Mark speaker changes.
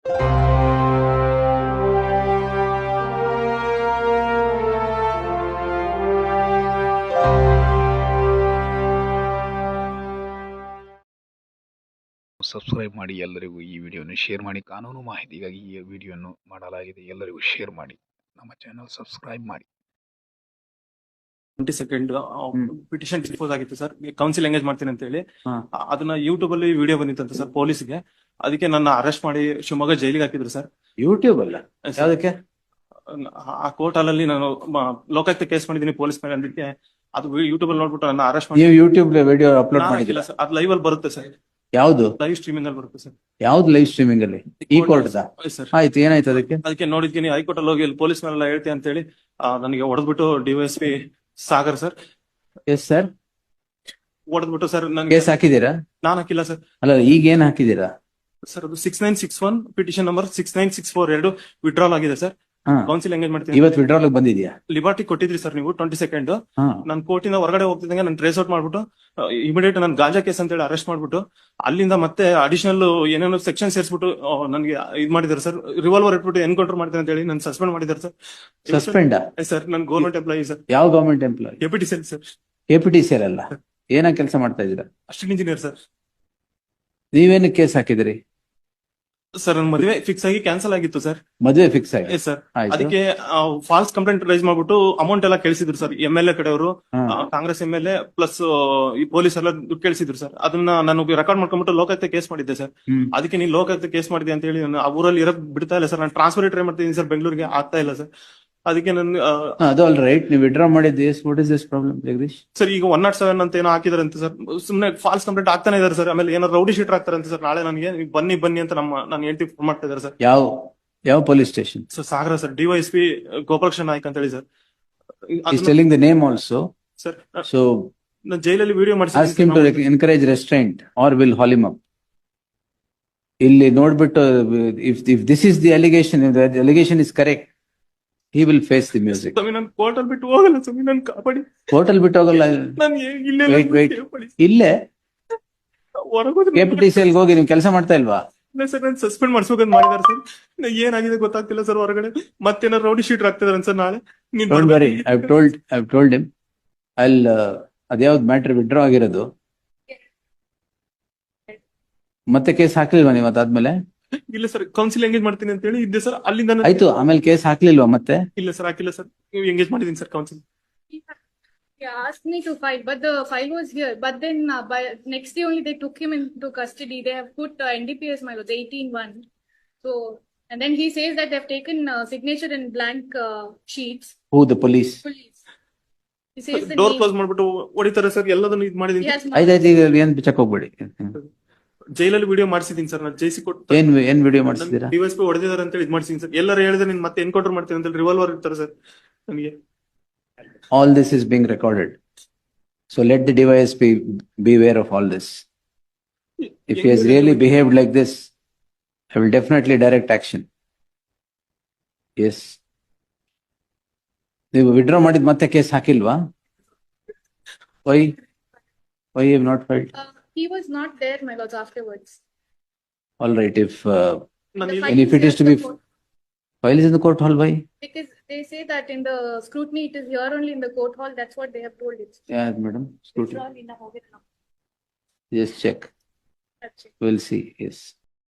Speaker 1: Subscribe ಮಾಡಿ, ಎಲ್ಲರಿಗೂ ಈ ವಿಡಿಯೋವನ್ನು ಶೇರ್ ಮಾಡಿ. ಕಾನೂನು ಮಾಹಿತಿಗಾಗಿ ಈ ವಿಡಿಯೋವನ್ನು ಮಾಡಲಾಗಿದೆ. ಎಲ್ಲರಿಗೂ ಶೇರ್ ಮಾಡಿ, ನಮ್ಮ ಚಾನಲ್ ಸಬ್ಸ್ಕ್ರೈಬ್ ಮಾಡಿ.
Speaker 2: 22 ಪಿಟಿಷನ್ ಡಿಸ್ಪೋಸ್ ಆಗಿತ್ತು ಸರ್, ಕೌನ್ಸಿಲ್ ಎಂಗೇಜ್ ಮಾಡ್ತೀನಿ ಅಂತ ಹೇಳಿ. ಅದನ್ನ ಯೂಟ್ಯೂಬ್ ಅಲ್ಲಿ ವಿಡಿಯೋ ಬಂದಿತ್ತಂತ ಸರ್ ಪೊಲೀಸ್ಗೆ. ಅದಕ್ಕೆ ನನ್ನ ಅರೆಸ್ಟ್ ಮಾಡಿ ಶಿವಮೊಗ್ಗ ಜೈಲಿಗೆ ಹಾಕಿದ್ರು ಸರ್.
Speaker 3: ಯೂಟ್ಯೂಬ್ ಅಲ್ಲ, ಯಾವುದಕ್ಕೆ?
Speaker 2: ಆ ಕೋರ್ಟ್ ಅಲ್ಲಿ ನಾನು ಲೋಕಾಯುಕ್ತ ಕೇಸ್ ಮಾಡಿದೀನಿ ಪೊಲೀಸ್ ಮೇಲೆ ಅಂದಿಕ್ಕೆ ಅದು ಯೂಟ್ಯೂಬ್ ಅಲ್ಲಿ ನೋಡ್ಬಿಟ್ಟು ನನ್ನ ಅರೆಸ್ಟ್ ಮಾಡಿ.
Speaker 3: ನೀವು ಯೂಟ್ಯೂಬ್ ವಿಡಿಯೋ ಅಪ್ಲೋಡ್ ಮಾಡಿಲ್ಲ
Speaker 2: ಸರ್, ಅದು ಲೈವ್ ಅಲ್ಲಿ ಬರುತ್ತೆ ಸರ್.
Speaker 3: ಯಾವ್ದು
Speaker 2: ಲೈವ್ ಸ್ಟ್ರೀಮಿಂಗ್ ಅಲ್ಲಿ ಬರುತ್ತೆ ಸರ್.
Speaker 3: ಯಾವ್ದು ಲೈವ್ ಸ್ಟ್ರೀಮಿಂಗ್ ಅಲ್ಲಿ? ಈ ಕೋರ್ಟ್
Speaker 2: ಸರ್.
Speaker 3: ಆಯ್ತು, ಏನಾಯ್ತು ಅದಕ್ಕೆ?
Speaker 2: ಅದಕ್ಕೆ ನೋಡಿದ್ತೀನಿ ಹೈಕೋರ್ಟ್ ಅಲ್ಲಿ ಹೋಗಿ ಪೊಲೀಸ್ ಮೇಲೆಲ್ಲ ಹೇಳ್ತೀನಿ ಅಂತ ಹೇಳಿ ನನಗೆ ಹೊಡೆದ್ಬಿಟ್ಟು DYSP Sagar sir.
Speaker 3: Yes sir,
Speaker 2: ಹೊಡೆದ್ಬಿಟ್ಟು ಸರ್ ನನ್ಗೆ
Speaker 3: ಕೇಸ್ ಹಾಕಿದೀರಾ?
Speaker 2: ನಾನು ಹಾಕಿಲ್ಲ ಸರ್.
Speaker 3: ಅಲ್ಲ, ಈಗ ಏನ್ ಹಾಕಿದೀರಾ
Speaker 2: ಸರ್? ಅದು 6961 ಪಿಟಿಷನ್ ನಂಬರ್ 6964 ಎರಡು ವಿಡ್ರಾಲ್ ಆಗಿದೆ ಸರ್. ಕೌನ್ಸಿಲ್ ಎಂಗೇಜ್ ಮಾಡ್ತೀನಿ.
Speaker 3: ಇವತ್ತು ವಿಡ್ರಾಲ್ ಬಂದಿದ್ಯಾ?
Speaker 2: ಲಿಬರ್ಟಿ ಕೊಟ್ಟಿದ್ರಿ ಸರ್ ನೀವು 22nd.
Speaker 3: ಹಾ.
Speaker 2: ನಾನು ಕೋರ್ಟಿಂದ ಹೊರಗಡೆ ಹೋಗ್ತಿದ್ದಂಗೆ ನಾನು ಟ್ರೇಸ್ ಔಟ್ ಮಾಡ್ಬಿಟ್ಟು ಇಮಿಡಿಯೇಟ್ ನಾನು ಗಾಂಜಾ ಕೇಸ್ ಅಂತ ಹೇಳಿ ಅರೆಸ್ಟ್ ಮಾಡ್ಬಿಟ್ಟು ಅಲ್ಲಿಂದ ಮತ್ತೆ ಅಡಿಷನಲ್ ಏನೇನೋ ಸೆಕ್ಷನ್ ಸೇರಿಸ್ಬಿಟ್ಟು ನನಗೆ ಇದು ಮಾಡಿದ್ದಾರೆ ಸರ್. ರಿವಾಲ್ವರ್ ಇಟ್ಬಿಟ್ಟು ಎನ್ಕೌಂಟರ್ ಮಾಡ್ತೀನಿ ಅಂತ ಹೇಳಿ ನಾನು ಸಸ್ಪೆಂಡ್ ಮಾಡಿದ್ದಾರೆ ಸರ್.
Speaker 3: ಸಸ್ಪೆಂಡ್
Speaker 2: ಸರ್, ನಾನು ಗೌರ್ಮೆಂಟ್ ಎಂಪ್ಲಾಯಿ ಸರ್.
Speaker 3: ಯಾವ government employee?
Speaker 2: KPTCL sir.
Speaker 3: KPTCL ಅಲ್ಲ, ಏನ ಕೆಲಸ ಮಾಡ್ತಾ ಇದ್ದೀರಾ?
Speaker 2: Assistant engineer sir.
Speaker 3: ನೀವೇನು ಕೇಸ್ ಹಾಕಿದಿರಿ
Speaker 2: ಸರ್? ನನ್ನ ಮದುವೆ ಫಿಕ್ಸ್ ಆಗಿ ಕ್ಯಾನ್ಸಲ್ ಆಗಿತ್ತು ಸರ್.
Speaker 3: ಮದುವೆ ಫಿಕ್ಸ್ ಆಗಿ
Speaker 2: ಸರ್, ಅದಕ್ಕೆ ಫಾಲ್ಸ್ ಕಂಪ್ಲೇಂಟ್ ರೈಸ್ ಮಾಡ್ಬಿಟ್ಟು ಅಮೌಂಟ್ ಎಲ್ಲ ಕೇಳಿಸಿದ್ರು ಸರ್. MLA ಕಡೆಯವರು, ಕಾಂಗ್ರೆಸ್ MLA ಪ್ಲಸ್ ಈ ಪೊಲೀಸ್ ಎಲ್ಲ ದುಡ್ಡು ಕೇಳಿಸಿದ್ರು ಸರ್. ಅದನ್ನ ನಾನು ರೆಕಾರ್ಡ್ ಮಾಡ್ಕೊಂಡ್ಬಿಟ್ಟು ಲೋಕಾಯುಕ್ತ ಕೇಸ್ ಮಾಡಿದ್ದೆ ಸರ್. ಅದಕ್ಕೆ ನೀನ್ ಲೋಕಾಯುಕ್ತ ಕೇಸ್ ಮಾಡಿದೆ ಅಂತ ಹೇಳಿ ನಾನು ಆ ಊರಲ್ಲಿ ಇರಕ್ ಬಿಡ್ತಾ ಇಲ್ಲ ಸರ್. ನಾನು ಟ್ರಾನ್ಸ್ಫರ್ ಟ್ರೈ ಮಾಡ್ತಿದ್ದೀನಿ ಸರ್, ಬೆಂಗಳೂರಿಗೆ ಆಗ್ತಾ ಇಲ್ಲ ಸರ್. ಅದಕ್ಕೆ ನಾನು
Speaker 3: ಅದು ಆಲ್ ರೈಟ್, ನೀವು ವಿಡ್ರಾ ಮಾಡಿದ್ದು. What is this problem Jagadish
Speaker 2: sir? ಈಗ 107 ಅಂತ ಏನೋ ಹಾಕಿದಾರೆ ಅಂತ ಸರ್. ಸುಮ್ನೆ ಫಾಲ್ಸ್ ಕಂಪ್ಲೇಂಟ್ ಆಗ್ತಾನೆ ಇದಾರೆ ಸರ್. ಆಮೇಲೆ ಏನೋ ರೌಡಿ ಶೀಟರ್ ಆಗ್ತಾರೆ ಅಂತ ಸರ್. ನಾಳೆ ನನಗೆ ಬನ್ನಿ ಅಂತ ನಾನು ಹೇಳ್ತಿ ಫೋನ್ ಮಾಡ್ತಾ ಇದಾರೆ ಸರ್.
Speaker 3: ಯಾವ police station?
Speaker 2: Sir, Sagar sir. DYSP Gopalakrishna Naik ಅಂತ ಹೇಳಿ sir.
Speaker 3: He's telling the name also.
Speaker 2: Sir,
Speaker 3: So
Speaker 2: ನಾನು ಜೈಲಲ್ಲಿ video
Speaker 3: ask him to encourage restraint or will haul him up. ಇಲ್ಲಿ ನೋಡ್ಬಿಟ್ಟು if this is the allegation, if the allegation is correct, he will face the music.
Speaker 2: ನಾನು court ಅಲ್ಲಿ ಬಿಟ್ಟು ಹೋಗಲ್ಲ ಸ್ವಾಮಿ, ನಾನು ಕಾಪಾಡಿ.
Speaker 3: ಕೋರ್ಟ್ ಅಲ್ಲಿ ಬಿಟ್ಟು ಹೋಗಲ್ಲ. Wait. ಇಲ್ಲೇ KPTCL ಹೋಗಿ ನೀವು ಕೆಲಸ ಮಾಡ್ತಾ ಇಲ್ವಾ?
Speaker 2: ಸರ್, ನಾನು ಸಸ್ಪೆಂಡ್ ಮಾಡಿಸ್ಬೇಕಂತ ಮಾಡಿದಾರೆ ಸರ್. ಏನಾಗಿದೆ ಗೊತ್ತಾಗ್ತಿಲ್ಲ ಸರ್. ಹೊರಗಡೆ ಮತ್ತೇನಾರು ರೌಡಿ ಶೀಟರ್ ಆಗ್ತಿದಾರೆ ಸರ್. ನಾಳೆ
Speaker 3: Don't worry, I've told him. ಅದ್ಯಾವ್ದು ಮ್ಯಾಟ್ರ್ ವಿಡ್ರಾ ಆಗಿರೋದು? ಮತ್ತೆ ಕೇಸ್ ಹಾಕ್ಲಿಲ್ವಾ ನೀವು ಅದಾದ್ಮೇಲೆ?
Speaker 2: ಇಲ್ಲ ಸರ್, ಕೌನ್ಸಿಲ್ ಎಂಗೇಜ್ ಮಾಡ್ತೀನಿ ಅಂತ ಹೇಳಿ ಇದ್ದೆ ಸರ್. ಅಲ್ಲಿಂದ
Speaker 3: ಆಯ್ತು, ಆಮೇಲೆ ಕೇಸ್ ಹಾಕ್ಲಿಲ್ವಾ ಮತ್ತೆ?
Speaker 2: ಇಲ್ಲ ಸರ್, ಹಾಕಿಲ್ಲ ಸರ್. ನೀವು ಎಂಗೇಜ್ ಮಾಡಿದೀನಿ sir council.
Speaker 4: He asked me to file, but the file was here. But then by next day only they took him into custody. They have put NDPS my lords 18-1. So, and then he says that they have taken signature in blank sheets.
Speaker 3: Who, the police?
Speaker 4: He says the
Speaker 2: door
Speaker 4: name.
Speaker 2: Close ಮಾಡ್ಬಿಟ್ಟು ಹೊಡಿತಾರೆ sir. ಎಲ್ಲದನ್ನು ಇದು ಮಾಡಿದೀನಿ.
Speaker 4: He has
Speaker 3: ಆಯ್ತಾಯ್ತು, ಈಗ ಏನ್ check ಹೋಗ್ಬೇಡಿ.
Speaker 2: ಜೈಲಲ್ಲಿ ವಿಡಿಯೋ ಮಾಡಿಸಿದೀನಿ ಸರ್. ನಾನು ಜೈಸಿ ಕೊಟ್ಟು
Speaker 3: ಏನ್ ವಿಡಿಯೋ ಮಾಡಿಸಿದೀರಾ?
Speaker 2: DYSP ಹೊಡೆದಿದ್ದಾರೆ ಅಂತ ಇದು ಮಾಡಿಸಿದೀನಿ ಸರ್. ಎಲ್ಲರೂ ಹೇಳಿದ್ರೆ ನೀನ್ ಮತ್ತೆ ಎನ್ಕೌಂಟರ್ ಮಾಡ್ತೀನಿ ಅಂತ ರಿವಾಲ್ವರ್ ಇರ್ತಾರೆ ಸರ್ ನನಗೆ.
Speaker 3: All this is being recorded, so let the DYSP beware of all this. If he has really behaved like this, I will definitely direct action. Yes. ನೀವು ವಿಡ್ರಾ ಮಾಡಿದ ಮತ್ತೆ ಕೇಸ್ ಹಾಕಿಲ್ವಾ? Why you have not filed?
Speaker 4: He was not there, my lords, afterwards.
Speaker 3: All right, if
Speaker 4: The
Speaker 3: and if it is to be file is in the court hall, why?
Speaker 4: Because they say that in the scrutiny it is here only in the court hall. That's what they have told it.
Speaker 3: Yeah, madam. Scrutiny.
Speaker 4: It's all in the hall.
Speaker 3: Yes, check.
Speaker 4: That's it.
Speaker 3: We'll see. Yes.